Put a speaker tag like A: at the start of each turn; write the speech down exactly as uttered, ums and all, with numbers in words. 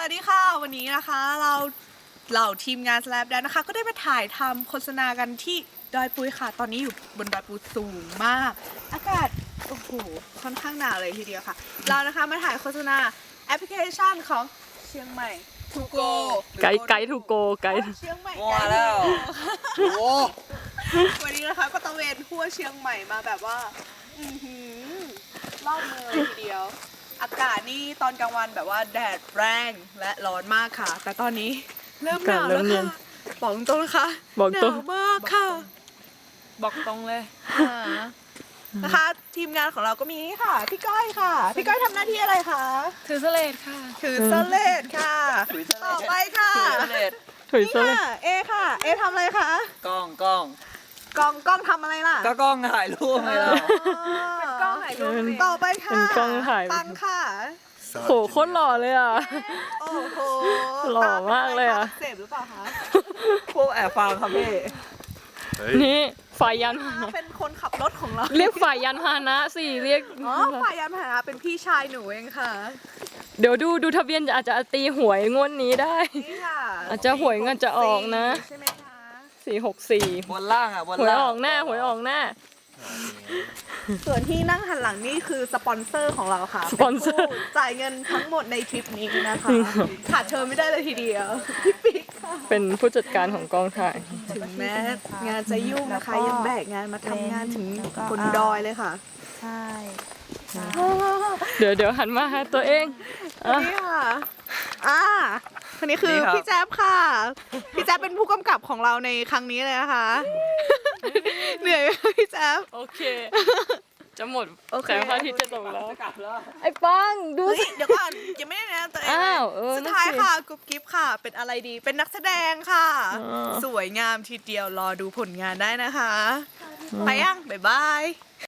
A: วัสดีค่ะวันนี้นะคะเราเหล่าทีมงาน Slap Dance นะคะก็ได้มาถ่ายทำโฆษณากันที่ดอยปุยค่ะตอนนี้อยู่บนดอยปุยสูงมากอากาศโอ้โหค่อนข้างหนาวเลยทีเดียวค่ะเรานะคะมาถ่ายโฆษณาแอปพลิเคชันของเชียงใหม่ทูโก
B: ไกด์ไกด์ทูโกไกด์
A: เชียงใหม่
C: ว่าแล้วโอ้
A: วันนี้นะคะก็ตะเวนทั่วเชียงใหม่มาแบบว่าอือหือรอบเมืองเลยทีเดียวอากาศนี่ตอนกลางวันแบบว่าแดดแรงและร้อนมากค่ะ แต่ตอนนี้เริ่มหนาวแล้วค่ะบอกตรงนะคะ
B: บอกตรง
A: หนาวมากค่ะ
C: บอกตรงเลย
A: อ่านะคะทีมงานของเราก็มีนี่ค่ะพี่ก้อยค่ะพี่ก้อยทำหน้าที่อะไรคะ
C: ถือสเลดค่ะ
A: ถือสเลดค่ะต่อไปค่ะ
C: ถือสเลด
B: ถุย
A: นี่
B: โซ่เลย
A: ค่ะเอค่ะเอทำอะไรคะ
C: กล้องกล้อง
A: กองกล้องทำอะไรล่ะ
C: ก็กล้องถ่ายรูปไงเรา
A: เป็นกล้องถ่ายรูปต่อไปค่ะ
B: เป็นกล้องถ่าย
A: ตังค่ะ
B: โหโคตรหล่อเลยอ่ะ
A: โอ้โห
B: หล่อมากเลยอะ
A: เสพหรือเปล่าคะ
C: พวกแอบฟังครับพี่
B: นี่ฝ่ายยันพาหนะ
A: เป็นคนขับรถของเรา
B: เรียกฝ่ายยันพาหนะสิเรียก
A: อ๋อฝ่ายยานพาหนะเป็นพี่ชายหนูเองค่ะ
B: เดี๋ยวดูดูทะเบียนอาจจะตีหวยงวดนี้ได้
A: นี่ค่ะ
B: อาจจะหวยเงินจะออกนะ
A: ใช่ไหมคะ
B: สี่หกสี่
C: บนล่างอ่ะบน
B: หวย
C: ล่าง
B: ออกหน้าหวยออกหน้า
A: ส่วนที่นั่งหันหลังนี่คือสปอนเซอร์ของเราค่ะ
B: สปอนเซอร์
A: ป็นผู้จ่ายเงินทั้งหมดในทริปนี้นะคะขาดเธอไม่ได้เลยทีเดียวพี่ปิ๊กค่ะ
B: เป็นผู้จัดการของกองถ่าย
A: ถึงแม้งานจะยุ่งนะคะยังแบกงานมาทำงานถึงบนดอยเลยค่ะ
D: ใช่
B: เดี๋ยวเดี๋ยวหันมาหาตัวเองอ่ะ
A: นี่ค่ะ อ่า คนนี้คือพี่แจ๊บค่ะ พี่แจ๊บเป็นผู้กำกับของเราในครั้งนี้เลยนะคะ เหนื่อยไหมคะพี่แจ๊บ
B: โอเค จะหมด
A: โอเค
B: แสงพระอาทิตย์จะตกแล้ว
C: จะกลับแล้ว
B: ไอ้ปังดู
A: เฮ้ย
B: สิ
A: เดี๋ยวก่อนยังไม่ได้แนะนำตัวเองเลย
B: อ้าวเออ
A: สุดท้าย
B: นั่นสิ
A: ค่ะกุ๊บกิ๊บค่ะ เป็นอะไรดี เป็นนักแสดงค่ะ
B: อ๋อ
A: สวยงามทีเดียว รอดูผลงานได้นะคะ ไปยัง บ๊ายบาย